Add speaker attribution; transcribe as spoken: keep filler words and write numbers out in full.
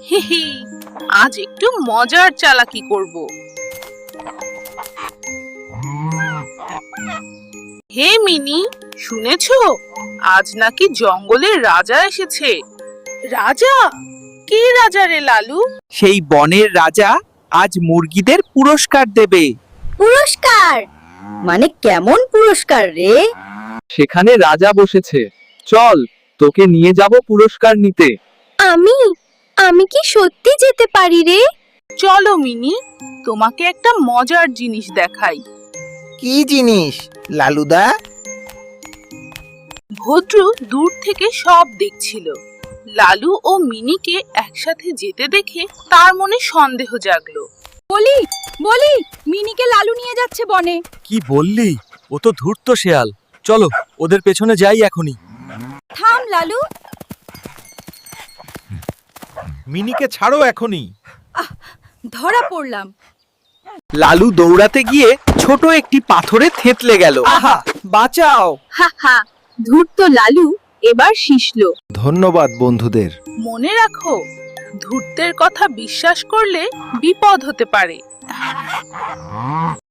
Speaker 1: হি হি, আজ একটু মজার চালাকি করব। হে মিনি, শুনেছো? আজ নাকি জঙ্গলের রাজা এসেছে। রাজা? কে রাজা রে লালু?
Speaker 2: সেই বনের রাজা আজ মুরগিদের পুরস্কার দেবে।
Speaker 3: পুরস্কার? মানে কেমন পুরস্কার রে?
Speaker 2: সেখানে রাজা বসেছে, চল তোকে নিয়ে যাব পুরস্কার নিতে।
Speaker 3: আমি আমি কি সত্যি যেতে পারি রে?
Speaker 1: চলো মিনি, তোমাকে একটা মজার জিনিস দেখাই।
Speaker 4: কি জিনিস লালুদা?
Speaker 1: ভদ্রু দূর থেকে সব দেখছিল। লালু ও মিনিকে একসাথে যেতে দেখে তার মনে সন্দেহ জাগলো।
Speaker 3: বলি বলি মিনিকে লালু নিয়ে যাচ্ছে বনে।
Speaker 5: কি বললি? ও তো ধূর্ত শেয়াল। চলো ওদের পেছনে যাই এখনই।
Speaker 3: থাম লালু।
Speaker 5: মিনিকে ছাড়ো এখনই।
Speaker 3: ধরা পড়লাম।
Speaker 2: লালু দৌড়াতে গিয়ে ছোট একটি পাথরে থেতলে গেল। আহা, বাঁচাও!
Speaker 3: হা হা, ধূর্ত লালু এবার শিশলো।
Speaker 4: ধন্যবাদ বন্ধুদের।
Speaker 1: মনে রাখো, ধূর্তের কথা বিশ্বাস করলে বিপদ হতে পারে।